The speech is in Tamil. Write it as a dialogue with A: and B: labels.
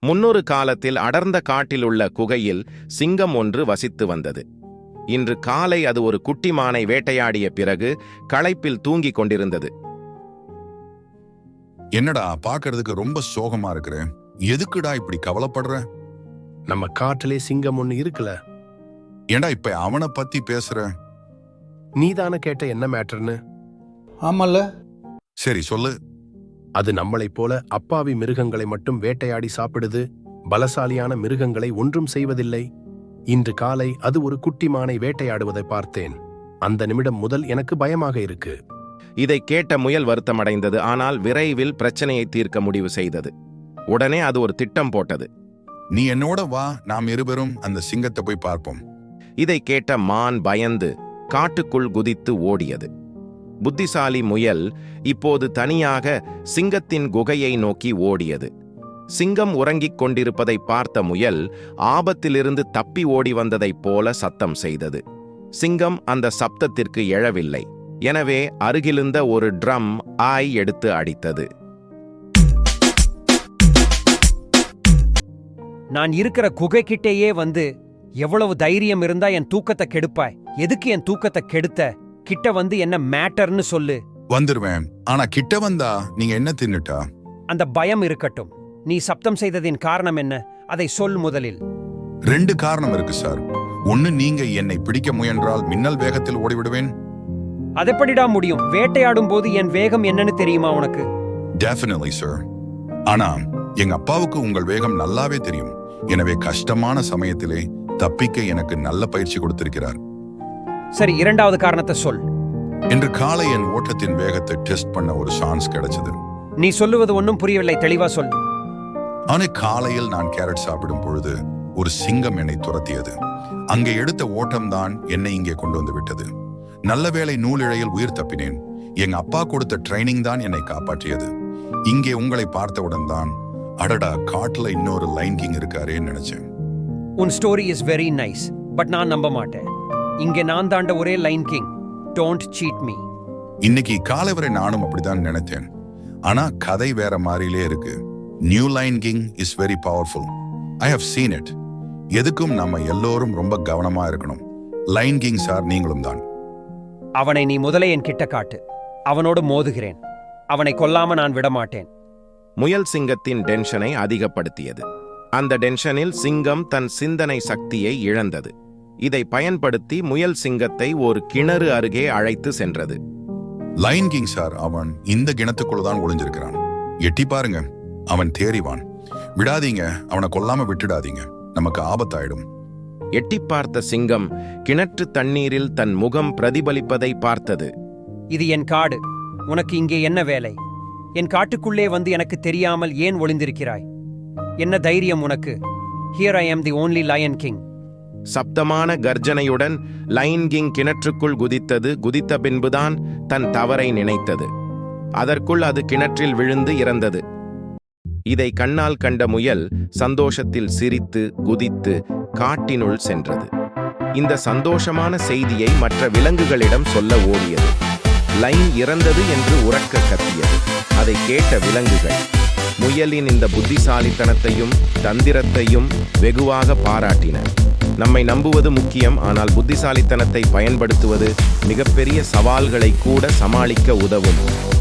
A: முன்னொரு காலத்தில் அடர்ந்த காட்டிலுள்ள குகையில் சிங்கம் ஒன்று வசித்து வந்தது. இன்று காலை அது ஒரு குட்டி மானை வேட்டையாடிய பிறகு களைப்பில் தூங்கிக் கொண்டிருந்தது.
B: என்னடா பாக்குறதுக்கு ரொம்ப சோகமா இருக்கிற, எதுக்குடா இப்படி கவலைப்படுற?
C: நம்ம காட்டிலே சிங்கம் ஒண்ணு இருக்குல்ல.
B: ஏண்டா இப்ப அவனை பத்தி பேசுற?
C: நீதானே கேட்ட என்ன மேட்டர்னு?
D: ஆமல்ல.
B: சரி சொல்லு.
C: அது நம்மளைப் போல அப்பாவி மிருகங்களை மட்டும் வேட்டையாடி சாப்பிடுது. பலசாலியான மிருகங்களை ஒன்றும் செய்வதில்லை. இன்று காலை அது ஒரு குட்டி மானை வேட்டையாடுவதை பார்த்தேன். அந்த நிமிடம் முதல் எனக்கு பயமாக இருக்கு.
A: இதை கேட்ட முயல் வருத்தமடைந்தது. ஆனால் விரைவில் பிரச்சனையை தீர்க்க முடிவு செய்தது. உடனே அது ஒரு திட்டம் போட்டது.
B: நீ என்னோட வா, நாம் இருவரும் அந்த சிங்கத்தை போய் பார்ப்போம்.
A: இதை கேட்ட மான் பயந்து காட்டுக்குள் குதித்து ஓடியது. புத்திசாலி முயல் இப்போது தனியாக சிங்கத்தின் குகையை நோக்கி ஓடியது. சிங்கம் உறங்கிக் கொண்டிருப்பதை பார்த்த முயல் ஆபத்திலிருந்து தப்பி ஓடி வந்ததைப் போல சத்தம் செய்தது. சிங்கம் அந்த சப்தத்திற்கு எழவில்லை. எனவே அருகிலிருந்த ஒரு ட்ரம் ஆய் எடுத்து அடித்தது.
E: நான் இருக்கிற குகைக்கிட்டேயே வந்து எவ்வளவு தைரியம் இருந்தா என் தூக்கத்தை கெடுப்பாய்? எதுக்கு என் தூக்கத்தை கெடுத்த? கிட்ட வந்து என்ன மேட்டர்னு சொல்லு.
B: வந்துருவேன். ஆனா கிட்ட வந்தா நீங்க என்ன தின்னுட்டா?
E: அந்த பயம் இருக்கட்டும். நீ சப்தம் செய்ததின் காரணம் என்ன? அதை சொல் முதலில்.
B: 2 காரணம் இருக்கு சார். ஒன்னு, நீங்க என்னை பிடிக்க முயன்றால் மின்னல் வேகத்தில் ஓடிவிடுவேன்.
E: அதெப்படிடா முடியும்? வேட்டையாடும் போது என் வேகம் என்னன்னு தெரியுமா உனக்கு?
B: Definitely sir. ஆனா எங்க அப்பாவுக்கு உங்கள் வேகம் நல்லாவே தெரியும். எனவே கஷ்டமான சமயத்திலே தப்பிக்க எனக்கு நல்ல பயிற்சி கொடுத்திருக்கிறார்.
E: சரி, 2வது காரணத்தை சொல்.
B: இன்று காலை என் ஓட்டத்தின் வேகத்தை டெஸ்ட் பண்ண ஒரு சான்ஸ் கிடைச்சது.
E: நீ சொல்லுவது ஒன்னும் புரியவில்லை, தெளிவா சொல்.
B: ஆனா காலையில் நான் கேரட் சாப்பிடும் பொழுது ஒரு சிங்கம் என்னை துரத்தியது. அங்கே எடுத்த ஓட்டம்தான் என்னை இங்கே கொண்டு வந்து விட்டது. நல்ல வேளை நூலிழையில் உயிர் தப்பினேன். எங்க அப்பா கொடுத்த ட்ரைனிங் தான் என்னை காப்பாற்றியது. இங்கே உங்களை பார்த்தவுடன் தான் அடடா, காட்டுல இன்னொரு லைன் கிங் இருக்காரேன்னு நினைச்சேன்.
E: உன் story is very nice, but நான் நம்ப மாட்டேன். இங்கே நான் தாண்ட ஒரே lion king. Don't cheat me.
B: இன்னைக்கு காலை வரை நானும் அப்படிதான் நினைத்தேன். ஆனா கதை வேற மாதிரிலே இருக்கு. New lion king is very powerful. I have seen it. எதுக்கும் நம்ம எல்லோரும் ரொம்ப கவனமா இருக்கணும். லைன் கிங் சார், நீங்களும் தான்.
E: அவனை நீ முதலே என் கிட்ட காட்டு. அவனோடு மோதுகிறேன். அவனை கொல்லாம நான் விடமாட்டேன்.
A: முயல் சிங்கத்தின் டென்ஷனை அதிகப்படுத்தியது. அந்த டென்ஷனில் சிங்கம் தன் சிந்தனை சக்தியை இழந்தது. இதை பயன்படுத்தி முயல் சிங்கத்தை ஒரு கிணறு அருகே அழைத்து சென்றது.
B: லைன் கிங் சார், அவன் இந்த கிணத்துக்குள்ளதான் ஒளிஞ்சிருக்கிறான். எட்டி பாருங்க, அவன் தேறிவான். விடாதீங்க, அவனை கொல்லாம விட்டுடாதீங்க, நமக்கு ஆபத்தாயிடும்.
A: எட்டி பார்த்த சிங்கம் கிணற்று தண்ணீரில் தன் முகம் பிரதிபலிப்பதை பார்த்தது.
E: இது என் காடு. உனக்கு இங்கே என்ன வேலை? என் காட்டுக்குள்ளே வந்து எனக்கு தெரியாமல் ஏன் ஒளிந்திருக்கிறாய்? என்ன தைரியம் உனக்கு? Here I am the only lion king.
A: சப்தமான கர்ஜனையுடன் லைன் கிங் கிணற்றுக்குள் குதித்தது. குதித்த பின்புதான் தன் தவறை நினைத்தது. அதற்குள் அது கிணற்றில் விழுந்து இறந்தது. இதை கண்ணால் கண்ட முயல் சந்தோஷத்தில் சிரித்து குதித்து காட்டினுள் சென்றது. இந்த சந்தோஷமான செய்தியை மற்ற விலங்குகளிடம் சொல்ல ஓடியது. லைன் இறந்தது என்று உரக்க கத்தியது. அதை கேட்ட விலங்குகள் முயலின் இந்த புத்திசாலித்தனத்தையும் தந்திரத்தையும் வெகுவாக பாராட்டின. நம்மை நம்புவது முக்கியம், ஆனால் புத்திசாலித்தனத்தை பயன்படுத்துவது மிகப்பெரிய சவால்களை கூட சமாளிக்க உதவும்.